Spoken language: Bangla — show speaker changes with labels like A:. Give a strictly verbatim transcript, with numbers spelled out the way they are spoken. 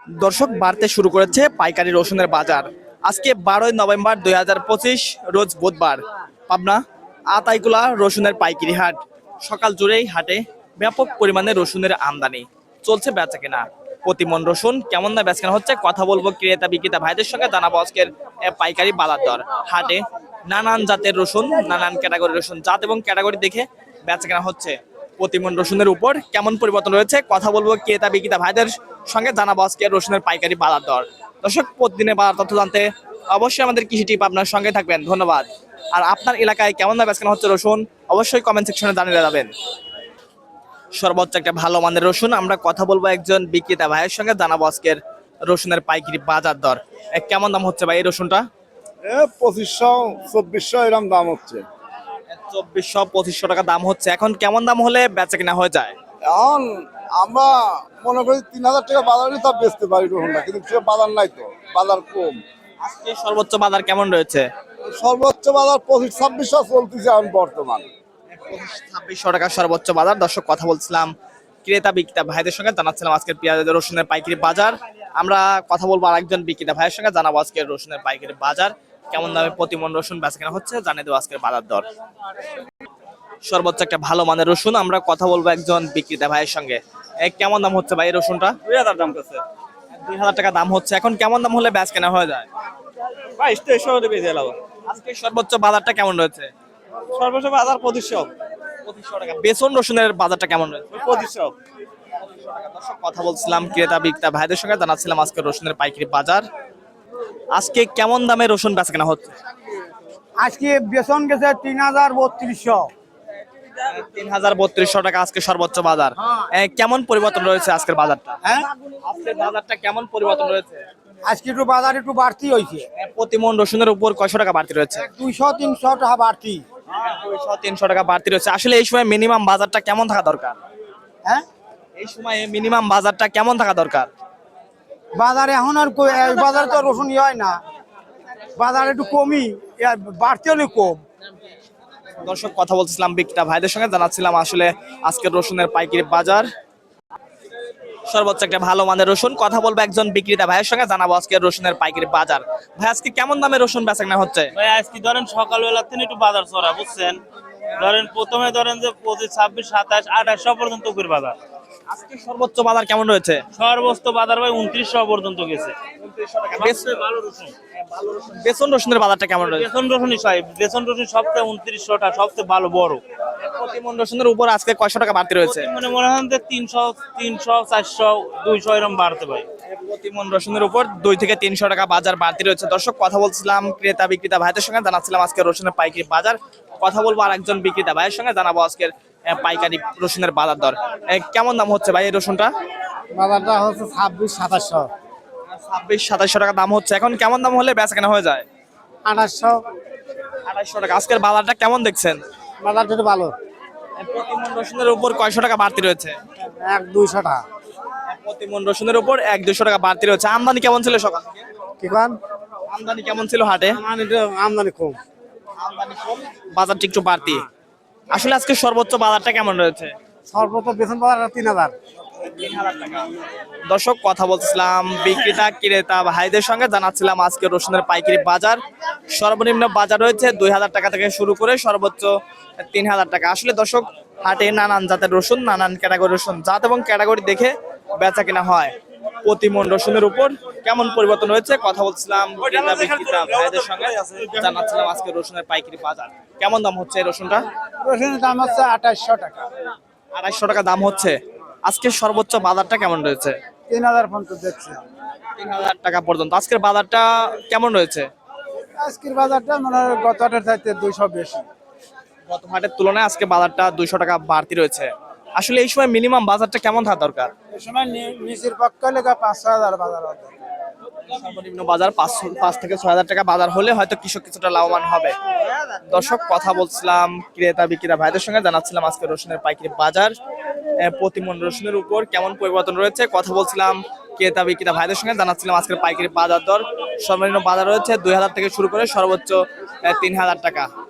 A: দর্শক বাড়তে শুরু করেছে পাইকারি রসুনের বাজার। আজকে বারোই নভেম্বর দুই হাজার পঁচিশ রোজ বুধবার। পাবনা আতাইকুলা রসুনের পাইকারি হাট। সকাল জুড়েই হাটে ব্যাপক পরিমাণে রসুনের আমদানি চলছে, বেচা কেনা। প্রতিমন রসুন কেমন দামে বেচা কেনা হচ্ছে কথা বলবো ক্রেতা বিক্রেতা ভাইদের সঙ্গে, জানাবো আজকের এ, পাইকারি বাজার দর। হাটে নানান জাতের রসুন, নানান ক্যাটাগরি রসুন, জাত এবং ক্যাটাগরি দেখে বেচা কেনা হচ্ছে। প্রতিমন রসুনের উপর কেমন পরিবর্তন রয়েছে কথা বলবো ক্রেতা বিক্রেতা ভাইদের সঙ্গে, জানাবো আজকে রসুনের পাইকারি বাজার দর। দর্শক প্রতিদিনের বাজার তথ্য জানতে অবশ্যই আমাদের কৃষি টিপ আপনার সঙ্গে থাকবেন। ধন্যবাদ। আর আপনার এলাকায় কেমন দামে বেচা কেনা হচ্ছে রসুন অবশ্যই কমেন্ট সেকশনে জানিয়ে যাবেন। সর্বোচ্চ একটা ভালো মানের রসুন আমরা কথা বলবো একজন বিক্রেতা ভাইয়ের সঙ্গে, জানাবো আজকের রসুনের পাইকারি বাজার দর। এ, কেমন দাম হচ্ছে ভাই এই রসুনটা?
B: এ পঁচিশশো চব্বিশশো এরকম দাম হচ্ছে।
A: চব্বিশশো পঁচিশশো টাকা দাম হচ্ছে। এখন কেমন দাম হলে বেচা কিনা হয়ে যায়?
B: এখন আমরা মনে করি তিন হাজার টাকা বাজার হলে তা বেচতে পারি রসুনটা, কিন্তু সে বাজার নাই, তো বাজার কম।
A: আজকে সর্বোচ্চ বাজার কেমন রয়েছে?
B: সর্বোচ্চ বাজার পঁচিশ ছাব্বিশশো চলতেছে এখন বর্তমান।
A: ছাব্বিশশো টাকা সর্বোচ্চ বাজার। দর্শক কথা বলছিলাম ক্রেতা বিক্রেতা ভাইদের সঙ্গে, জানাচ্ছিলাম আজকের পেঁয়াজ রসুনের পাইকারি বাজার। আমরা কথা বলবো আরেকজন বিক্রেতা ভাইয়ের সঙ্গে, জানাবো আজকের রসুনের পাইকারি বাজার কেমন দামে প্রতিমন রসুন বেচা কেনা হচ্ছে, জানিয়ে দেবো আজকের বাজার দর। সর্বোচ্চ একটা ভালো মানের রসুন আমরা কথা বলবো একজন বিক্রেতা ভাইয়ের সঙ্গে। এ, কেমন দাম হচ্ছে ভাই এই রসুনটা?
C: দুই হাজার দাম করছে
A: দুই হাজার টাকা দাম হচ্ছে। এখন কেমন দাম হলে বেচ কেনা হয়ে যায়?
C: বাইশ তেইশশো করে বেঁচে এলাম।
A: আজকে সর্বোচ্চ বাজারটা কেমন রয়েছে?
C: সর্বোচ্চ বাজার পঁচিশশো
A: পঁচিশশো টাকা। বেসন রসুনের বাজারটা কেমন রয়েছে?
C: পঁচিশশো
A: দর্শক কথা বলছিলাম ক্রেতা বিক্রেতা ভাইদের সঙ্গে, জানাচ্ছিলাম আজকে রসুনের পাইকারি বাজার। আজকে কেমন দামে রসুন বেচা কেনা হচ্ছে?
D: আজকে বেতন গেছে তিন হাজার বত্রিশশো।
A: তিন হাজার বত্রিশশো টাকা আজকে সর্বোচ্চ বাজার। এ, কেমন পরিবর্তন রয়েছে আজকের বাজারটা?
D: হ্যাঁ,
A: আজকের বাজারটা কেমন পরিবর্তন রয়েছে?
D: আজকে একটু বাজার একটু বাড়তি হয়েছে,
A: এ, প্রতি মন রসুনের উপর কয়শো টাকা বাড়তি রয়েছে?
D: দুইশো তিনশো টাকা বাড়তি।
A: দুইশো তিনশো টাকা বাড়তি রয়েছে। আসলে এই সময় মিনিমাম বাজারটা কেমন থাকা দরকার?
D: হ্যাঁ,
A: এই সময় মিনিমাম বাজারটা কেমন থাকা দরকার?
D: বাজারে এখন আর কই- এই বাজারে তো রসুন ইয়ে হয় না, বাজার একটু কমই, এর বাড়তি হলে কম।
A: দর্শক কথা বলছিলাম বিক্রেতা ভাইদের সঙ্গে, জানাচ্ছিলাম আসলে আজকের রসুনের পাইকারি বাজার। সর্বোচ্চ একটা ভালো মানের রসুন কথা বলবো একজন বিক্রেতা ভাইয়ের সঙ্গে, জানাবো আজকের রসুনের পাইকারি বাজার। ভাই আজকে কেমন দামে রসুন বেচা কেনা হচ্ছে?
C: ভাই আজকে ধরেন সকালবেলা থেকে একটু বাজার চড়া বুঝছেন। ধরেন প্রথমে ধরেন যে পঁচিশ ছাব্বিশ সাতাশ আঠাশশো পর্যন্ত উপর বাজার।
A: আজকে সর্বোচ্চ বাজার কেমন রয়েছে?
C: সর্বোচ্চ বাজার ভাই উনত্রিশশো পর্যন্ত গেছে।
A: বেস-
C: সবচেয়ে ভালো রসুন
A: বেসন রসুনের বাজারটা কেমন রয়েছে?
C: বেসন রসুনই সাহেব, বেসন রসুন সবচেয়ে উনত্রিশশোটা সবচেয়ে ভালো বড়।
A: প্রতিমন রসুনের উপর আজকে কয়শো টাকা বাড়তি রয়েছে?
C: মানে মনে হয় যে তিনশো তিনশো চারশো দুইশো এরকম বাড়তে পারে।
A: প্রতিমন রসুনের উপর দুই থেকে তিনশো টাকা বাজার বাড়তি রয়েছে। দর্শক কথা বলছিলাম ক্রেতা বিক্রেতা ভাইদের সঙ্গে, জানাচ্ছিলাম আজকে রসুনের পাইকারি বাজার। কথা বলবো আর একজন বিক্রেতা ভাইয়ের সঙ্গে, জানাবো আজকের আহ, পাইকারি রসুনের বাজার দর। এ, কেমন দাম হচ্ছে ভাই এই রসুনটা?
D: বাজারটা হচ্ছে ছাব্বিশ সাতাশশো,
A: ছাব্বিশ সাতাশশো টাকা দাম হচ্ছে। এখন কেমন দাম হলে বেচা কেনা হয়ে যায়?
D: আঠাশশো।
A: আড়াইশো টাকা। আজকের বাজারটা কেমন দেখছেন?
D: বাজারটা একটু ভালো,
A: প্রতিমন রসুনের উপর কয়শো টাকা বাড়তি রয়েছে?
D: এক দুইশো টাকা।
A: প্রতিমন রসুনের উপর এক দুশো টাকা বাড়তি রয়েছে। আমদানি কেমন ছিল সকাল থেকে?
D: কি কান
A: আমদানি কেমন ছিল হাটে?
D: আমদানি কম,
A: আমদানি কম, বাজারটা একটু বাড়তি। আসলে আজকে সর্বোচ্চ বাজারটা কেমন রয়েছে?
D: সর্বোচ্চ বেতন বাজার তিন হাজার।
A: দর্শক কথা বলছিলাম বিক্রেতা ক্রেতা ভাইদের সঙ্গে, জানাচ্ছিলাম আজকে রসুনের পাইকারি বাজার। সর্বনিম্ন বাজার রয়েছে দুই হাজার টাকা থেকে শুরু করে সর্বোচ্চ তিন হাজার টাকা। আসলে দর্শক হাটে নানান জাতের রসুন, নানান ক্যাটাগরি রসুন, জাত এবং ক্যাটাগরি দেখে বেচা কেনা হয়। প্রতিমন রসুনের উপর কেমন পরিবর্তন হয়েছে কথা বলছিলাম ক্রেতা বিক্রেতা ভাইদের সঙ্গে, জানাচ্ছিলাম আজকে রসুনের পাইকারি বাজার। কেমন দাম হচ্ছে এই রসুনটা?
D: রসুনের দাম হচ্ছে আঠাশশো টাকা।
A: আড়াইশো টাকা দাম হচ্ছে। আজকে সর্বোচ্চ বাজারটা কেমন রয়েছে?
D: তিন হাজার পর্যন্ত দেখছি।
A: তিন হাজার টাকা পর্যন্ত। আজকের বাজারটা কেমন রয়েছে?
D: আজকের বাজারটা মনে হয় গত হাটের চাইতে দুইশো বেশি।
A: গত হাটের তুলনায় আজকে বাজারটা দুইশো টাকা বাড়তি রয়েছে। আসলে এই সময় মিনিমাম বাজারটা কেমন থাকা দরকার?
D: এই সময় নি- নিচের পক্ষে লেখা পাঁচ ছয় হাজার বাজার হবে।
A: সর্বনিম্ন বাজার পাঁচশো পাঁচ থেকে ছয় হাজার টাকা বাজার হলে হয়তো কৃষক কিছুটা লাভবান হবে। দর্শক কথা বলছিলাম ক্রেতা বিক্রেতা ভাইদের সঙ্গে, জানাচ্ছিলাম আজকে রসুনের পাইকারি বাজার। আহ, প্রতিমন রসুনের উপর কেমন পরিবর্তন রয়েছে কথা বলছিলাম ক্রেতা বিক্রেতা ভাইদের সঙ্গে, জানাচ্ছিলাম আজকের পাইকারি বাজার দর। সর্বনিম্ন বাজার রয়েছে দুই হাজার থেকে শুরু করে সর্বোচ্চ আহ, তিন হাজার টাকা।